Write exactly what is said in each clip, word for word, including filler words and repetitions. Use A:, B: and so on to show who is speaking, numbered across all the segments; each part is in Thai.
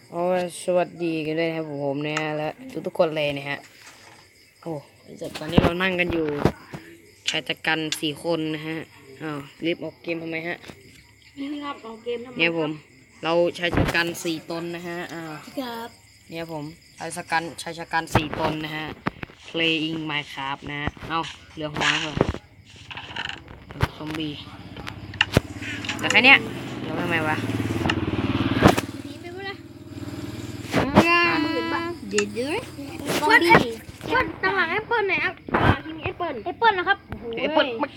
A: โอ้สวัสดีกันด้วยนะครับผมนะฮะและทุกๆคนเลยนะฮะโอ้ตอนนี้เรานั่งกันอยู่ชายจักรันสี่คนนะฮะอ้าวรีบออกเกมทำไมฮะ
B: นี่ครับออกเกมทำไม
A: เนี่ยผมเราชายจักรันสี่ตนนะฮะอ้าว
B: ครับ
A: เนี่ยผมชายจักรันชายจักรันสี่ตนนะฮะ playing Minecraft นะฮะเอ้าเหลือหัวเหรอซอมบี้แต่แค่เนี้ยแล้วทำไมวะ
B: ผีไปพูดเลย
A: เด็ดด้วย
B: เปิ้ลเปิ้ลตางหลังแอปเปิ้ลไหนครับตางหลังที่มีแอปเปิ้ลแอปเปิ้ลนะครับ
A: ไอ้เปิ้ลมัน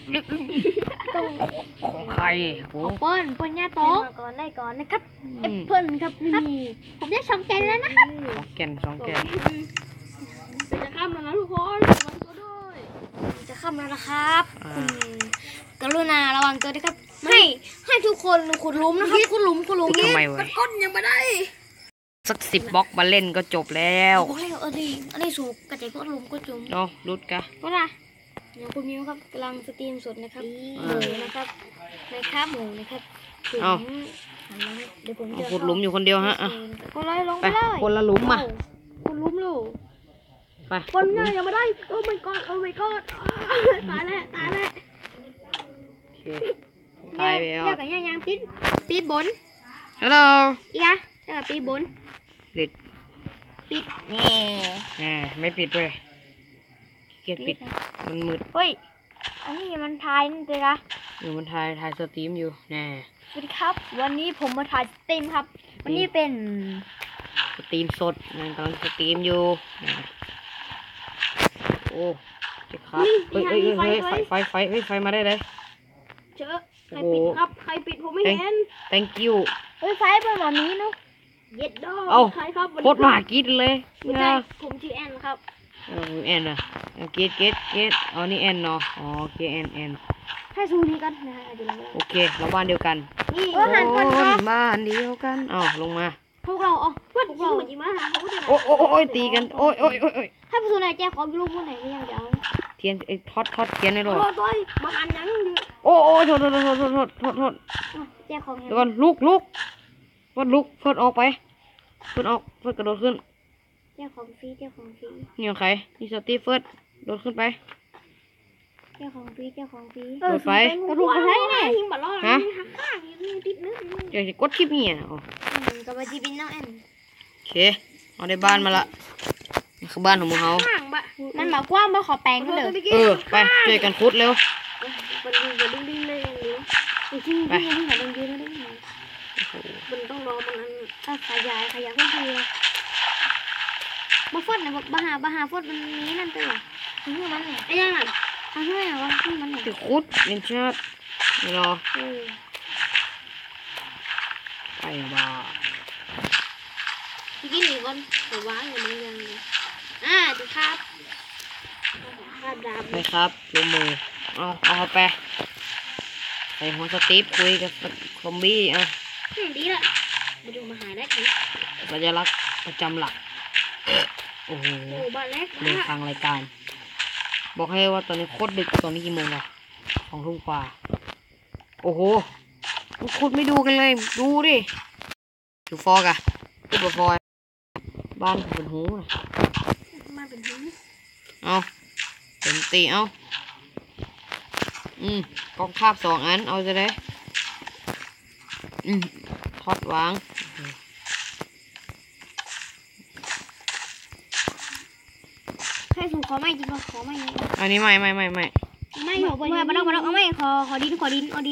A: ของใครโอ้
B: เปิ้ลเปิ้ลย่าโต๊ะก่อนได้ก่อนนะครับแอปเปิ้ลครับนี่ผมได้สองแกนแล้วนะครับ
A: สองแกนสองแกน
B: จะข้ามแล้วนะทุกคนระวังตัวด้วยจะข้ามแล้วนะครับกรุณาระวังตัวด้วยครับให้ให้ทุกคนขุดหลุมนะครับขุดหลุมขุดหลุม
A: ทำไมวะ
B: ก้นยังไม่ได้
A: สักสิบบล็อกมาเล่นก็จบแล้ว
B: โอ้ยเออดีอันนี้สูบกระจายก็ลมก็จุ่ม
A: เนาะรุดกะ
B: ก็ได้อย่างคุณมิวครับกำลังสตรีมสดนะครับหมูนะครับในคาบหมูนะครับถึงหันมาเดี๋ยวผมจะ
A: ขุดหลุมอยู่คนเดียวฮะอ่ะ
B: คนเลยลง
A: ไป
B: ไปเลย
A: คนละหลุมมา
B: คนลุมลูก
A: ไป
B: คนง่ายยังไม่ได้โอ้ my god โอ้ my god ตายแล้วตายแล้ว
A: โอเคตายไปแล้ว
B: เรียกกันยังยังปิดปิดบน
A: ฮัลโหล
B: อีกอะเรียกกันปิดบน
A: ปิด
B: ปิดแง่
A: แหมไม่ปิดเลยเกียดปิดมันมืด
B: เฮ้ยอันนี้มันทายนี่เลยนะ
A: อยู่มันถ่ายถ่ายสตรีมอยู่แน่
B: สวัสดีครับวันนี้ผมมาถ่ายสตรีมครับวันนี้เป็น
A: สตรีมสดนะกำลังสตรีมอยู่นะโอ้เจ็บครับเฮ้ยเฮ้ยเฮ้ยไฟไฟไฟเฮ้ยไฟมาได้เลย
B: เจอใครปิดครับใครปิดผมไม่เห็น
A: thank you
B: เฮ้ยไฟเป็นแบบนี้เนาะเย็ดดอ
A: เอ้า
B: ใครครับ
A: โคตรหมากิดเลย
B: ไม่ใช่ผมชื่อแอนครับ
A: เออแอนอ่ะเกตเกตเกตอ๋อนี่แอนเนาะอ๋อโอเคแอนแอน
B: ให้ซูนี้กันนะฮะเดี๋ยวเรา
A: โอเคเราบ้านเดียวกัน
B: นี่เออหันก่อนครับ
A: บ้านเดียวกันอ้าวลงมา
B: พวกเราอ๋อพวกเราจริงมาหาเขาจะ
A: โอ้โอ้โอ้ยตีกันโอ้ยโอ้ยโอ้ยโอ้ย
B: ให้ผู้สูงอายุแจ้งความรู้พวกไหนไม่ยังเดี๋ยว
A: เทียนไอ้ทอดทอดเทียนให้หน่อย
B: โทษด้วยมาหันยังดิ
A: โอ้โอ้โทษโทษโทษโทษโทษโทษโทษ
B: แจ้งความ
A: เดี๋ยวก่อนลุกลุกเฟิร์สลุกเฟิร์สออกไปเฟิร์สออกเฟิร์สกระโดดขึ้น
B: แจ้งความฟรีแจ้งความฟรี
A: นี่ของใครนี่สตีเฟิร์สโดดขึ้นไป
B: แจ้งความฟรีแจ้งความฟรี
A: โดดไป
B: กระดูกอะไรเนี่ยหิ้งบัลลอน
A: ฮะ
B: หักข้างอยู่นี่ติดนึง
A: เดี๋ยวจะกดคลิปนี่อ่ะอ๋อ
B: กับว่าจีบินน้องแอน
A: โอเคเอาได้บ้านมาละนี่คือบ้านของมึงเขา
B: ข้างบะมันหมายความว่าขอแปลงกันเด้อ
A: เออไปช่วยกันคุดเร็ว
B: มันดึงจะดึงดึงเลยอย่างเดียวจริงจริงจริงมันดึงดึงดึงมันต้องรอมันถ้าขยายขยายเพิ่มทีมาฟดนะมาหามาหาฟดมันนี้นั่นตัวถึงมันเนี่ยไอ้ยังน่ะทำให้ว่าที่มันเนี่ย
A: จะคุดเป็นชาติไม่รอ
B: เออ
A: ไปบ้า
B: ทีนี้หนีก่อนเดี๋ยวว้าอย่างมันยังอ่าดีครับคาดดาบ
A: ไปครับลงมือเอาเอาไปใส่หัวสตีฟคุยกับซอมบี้อ่ะ
B: ดีละมาดูมาหาได้ที
A: สัญลักษณ์ประจำหลักโอ้โห
B: โอ้บ้านเล็ก
A: เรื่องทางรายการ บอกให้ว่าตอนนี้โคตรดึกตอนนี้กี่โมงอะสองทุ่มกว่าโอ้โหคุณไม่ดูกันเลย ดูดิดูฟอกอะดูบฟอยบ้านเป็นหูนะ
B: มาเป็นหู
A: เอาเป็นตีเอาอืมกองคาบสองอันเอาจะได้อืมทอดวาง
B: ให้สูงขอไม่จริงขอไม่
A: อันนี้ไม่ไม่ไม่ไม่
B: ไม่หนูไปไม่ไม่ต้องไม่ต้องเอาไม่ขอขอดินขอดินเอาดิน